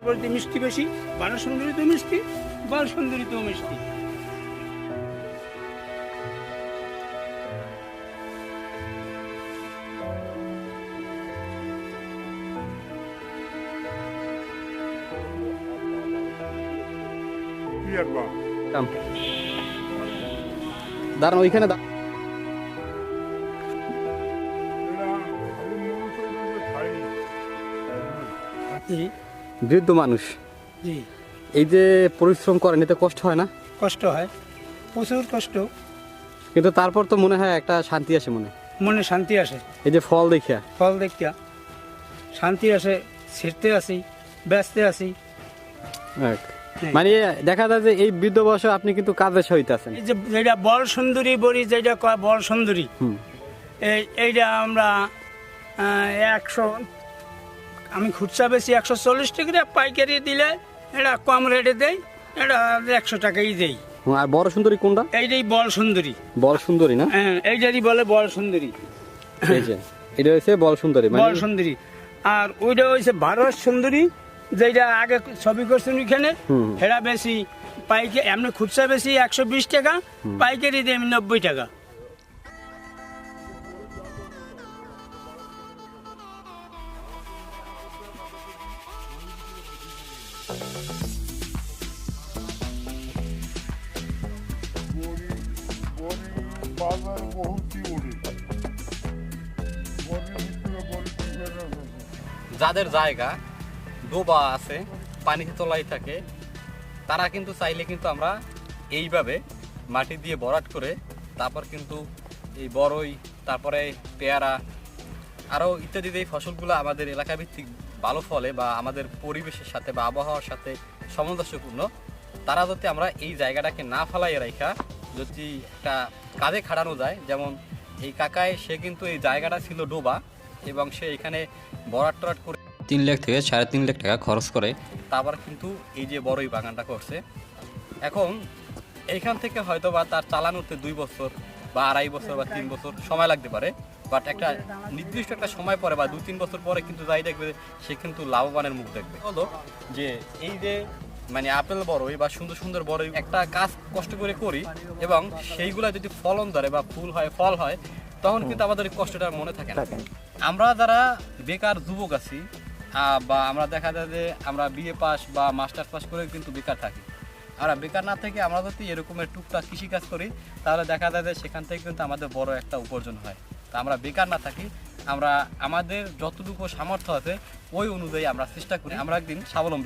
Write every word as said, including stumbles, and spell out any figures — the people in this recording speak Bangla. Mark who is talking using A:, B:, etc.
A: বলতে মিষ্টি বেশি, বালা সুন্দরী তো মিষ্টি, বাল সুন্দরী তো মিষ্টি।
B: দাঁড়ান ওইখানে দা-
A: জি
B: বৃদ্ধ মানুষ
A: জি
B: এই যে পরিশ্রম করেন এতে কষ্ট হয় না?
A: কষ্ট হয়, প্রচুর কষ্ট,
B: কিন্তু তারপর তো মনে হয় একটা শান্তি আসে মনে।
A: মনে শান্তি আসে।
B: এই যে ফল দেখিয়া
A: ফল দেখিয়া শান্তি আসে, ছিঁড়তে আসি, ব্যস্তে আসি।
B: এক। মানে দেখা যায় যে এই বৃদ্ধ বয়সে আপনি কিন্তু কাজের সহিত আছেন।
A: এই যে যেটা বল সুন্দরী বড়ি, যেটা কয় বল সুন্দরী,
B: হুম।
A: এই এইটা আমরা আহ, একশো, আমি খুচরা বেশি একশো চল্লিশ টাকা, পাইকারি দিলে এটা কম রেটে দেই, এটা একশো টাকাই দেই।
B: হুম, আর বড় সুন্দরী কোনটা?
A: এইটাই বল সুন্দরী।
B: বল সুন্দরী না?
A: হ্যাঁ, এইটারই বলে বল সুন্দরী।
B: এই যে এটা হচ্ছে বল সুন্দরী
A: বল
B: মানে
A: সুন্দরী। আর ওইটা হচ্ছে ভারত সুন্দরী, যেটা আগে ছবি করছেন ওইখানে,
B: হুম।
A: সেটা বেশি পাইকারি, এমনি খুচরা বেশি একশো বিশ টাকা, পাইকারি দিই আমি নব্বই টাকা।
C: বাজার বহুতই উঠে বনের ভিতরে বড় পুকুর আছে।
B: যাদের জায়গা ডোবা আছে, পানিতে তলায় থাকে, তারা কিন্তু চাইলে কিন্তু আমরা এইভাবে মাটি দিয়ে ভরাট করে তারপর কিন্তু এই বড়ই, তারপরে পেয়ারা, আরও ইত্যাদি এই ফসলগুলো আমাদের এলাকা ভিত্তিক ভালো ফলে বা আমাদের পরিবেশের সাথে বা আবহাওয়ার সাথে সামঞ্জস্যপূর্ণ, তারা যদি আমরা এই জায়গাটাকে না ফেলাই রাখা যদি একটা কাজে খাটানো যায়। যেমন এই কাকায়, সে কিন্তু এই জায়গাটা ছিল ডোবা এবং সে এখানে ভরাট টরাট করে তিন লাখ থেকে সাড়ে তিন লাখ টাকা খরচ করে তারপর কিন্তু এই যে বড়ই বাগানটা করছে। এখন এইখান থেকে হয়তো বা তার চালানোতে দুই বছর বা আড়াই বছর বা তিন বছর সময় লাগতে পারে, বাট একটা নির্দিষ্ট একটা সময় পরে বা দু তিন বছর পরে কিন্তু যাই দেখবে সে কিন্তু লাভবানের মুখ দেখবে। হলো যে এই যে মানে আপেল বড়ই বা সুন্দর সুন্দর বড়ই একটা কাজ কষ্ট করে করি এবং সেইগুলা যদি ফলন ধরে বা ফুল হয়, ফল হয়, তখন কিন্তু আমাদের এই কষ্টটা মনে থাকে না। আমরা যারা বেকার যুবক আছি আহ, বা আমরা দেখা যায় যে আমরা বিএ পাস বা মাস্টার্স পাস করে কিন্তু বেকার থাকি, আর বেকার না থেকে আমরা যদি এরকমের টুকটাক কৃষিকাজ করি তাহলে দেখা যায় যে সেখান থেকে কিন্তু আমাদের বড় একটা উপার্জন হয়। তা আমরা বেকার না থাকি, আমরা আমাদের যতটুকু সামর্থ্য আছে ওই অনুযায়ী আমরা চেষ্টা করি আমরা একদিন স্বাবলম্বী